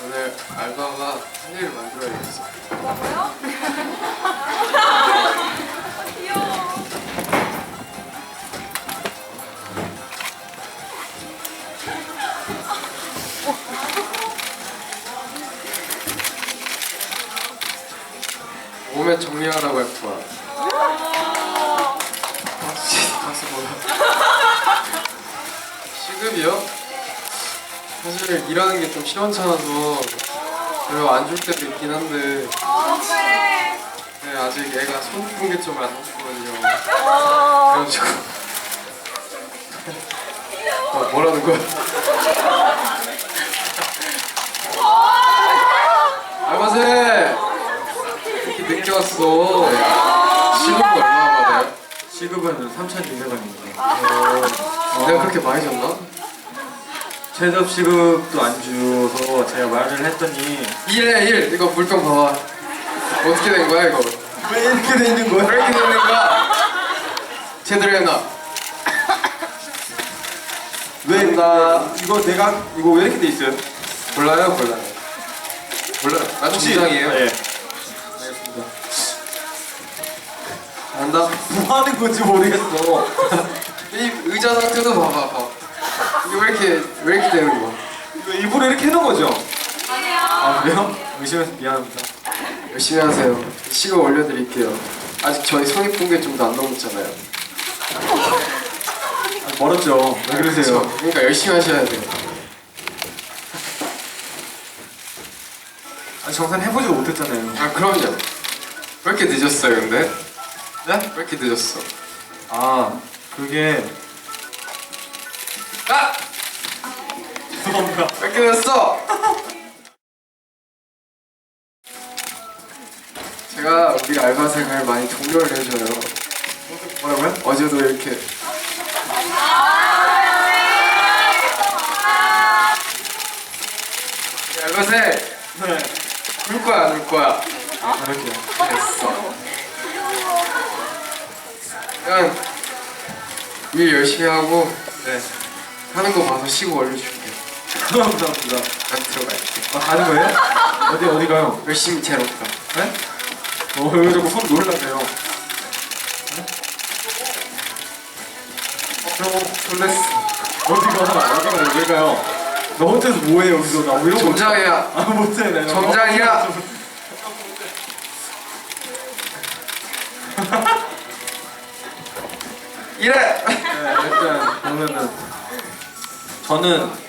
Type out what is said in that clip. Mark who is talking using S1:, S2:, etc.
S1: 오늘 알바가 한 일을 만들어야겠어.
S2: 뭐라고요? 귀여워.
S1: 몸에 정리하라고 할 거야. 가서 뭐야? 시급이요? 사실 일하는 게 좀 시원찮아서 별로 안 줄 때도 있긴 한데 네, 아직 애가 손풍기점을 안 넣었거든요. 그래가지고 뭐라는 거야? 알바생! 이렇게 늦게 왔어. 시급은 얼마나 받아요?
S3: 시급은 3,200원입니다.
S1: 내가 그렇게 많이 줬나?
S3: 최저 시급도 안 줘서 제가 말을 했더니
S1: 1에 1! 이거 물병 봐봐. 어떻게 된 거야 이거?
S3: 왜 이렇게 돼 있는 거야?
S1: 왜 이렇게 되는 거야? 제대로 해놔.
S3: 왜 나 이거 내가 이거 왜 이렇게 돼 있어요?
S1: 몰라요? 몰라요. 몰라요. 나 중장이에요.
S3: 예.
S1: 알겠습니다. 잘한다.
S3: 뭐 하는 건지 모르겠어.
S1: 이 의자 상태도 봐봐. 이게 왜 이렇게 되는 거야?
S3: 이거 일부러 이렇게 해놓은 거죠?
S2: 아니요.
S3: 아 그래요? 의심해서 미안합니다.
S1: 열심히 하세요. 시급 올려드릴게요. 아직 저희 성인분계점도 안 넘었잖아요.
S3: 아, 멀었죠. 왜 그러세요?
S1: 그러니까 열심히 하셔야 돼요.
S3: 아 정산 해보지도 못했잖아요.
S1: 아 그럼요. 왜 이렇게 늦었어요 근데?
S3: 네?
S1: 왜 이렇게 늦었어?
S3: 아 그게
S1: 아!
S3: 죄송합니다.
S1: 왜 이렇게 늦었어? 제가 우리 알바생을 많이 독려를 해줘요.
S3: 뭐라고요?
S1: 어제도 이렇게 우리 알바생!
S3: 네.
S1: 울 거야 안 울 거야?
S3: 그럴게요.
S1: 됐어. 그냥 일 열심히 하고
S3: 네.
S1: 하는 거 봐서 시급 올려줄게.
S3: 감사합니다.
S1: 난 들어갈게.
S3: 아 가는 거예요? 어디 가요?
S1: 열심히 재롭다.
S3: 네? 왜 자꾸 손 놀라세요?
S1: 놀랬어.
S3: 어디가 왜 가요? 너 혼자서 뭐해 여기서 나 이러고
S1: 정장이야.
S3: 아 못해 내가
S1: 정장이야. 이래.
S3: 네, 일단 그러면은 저는